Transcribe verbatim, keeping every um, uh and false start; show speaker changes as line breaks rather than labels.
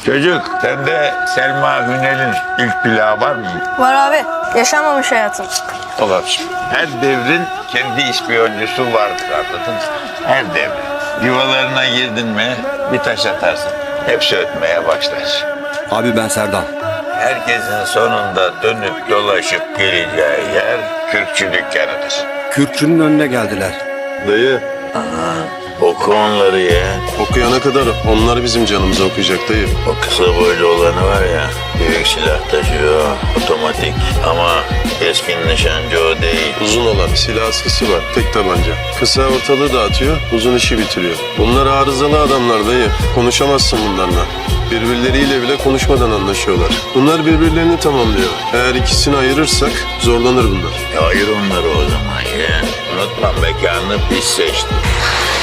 Çocuk, sende Selma Hünel'in ilk plağı var mı?
Var abi. Yaşanmamış hayatım.
Olabilir. Her devrin kendi ispiyoncusu vardır, anladın mı? Her devrin. Yuvalarına girdin mi bir taş atarsın. Hepsi ötmeye başlar.
Abi ben Serdal.
Herkesin sonunda dönüp dolaşıp geleceği yer kürkçü dükkanıdır.
Kürkçünün önüne geldiler.
Dayı,
Oku onları ya.
okuyana kadar onlar bizim canımıza okuyacak dayı.
O kısa boylu olanı var ya, büyük silah taşıyor, otomatik. Ama keskin nişancı o değil.
Uzun olan silah sesi var, tek tabanca. Kısa ortalığı dağıtıyor, uzun işi bitiriyor. Bunlar arızalı adamlar dayı. Konuşamazsın bunlarla. Birbirleriyle bile konuşmadan anlaşıyorlar. Bunlar birbirlerini tamamlıyor. Eğer ikisini ayırırsak zorlanır bunlar.
Ya ayır onları o zaman ya. Unutma mekanını biz seçtik.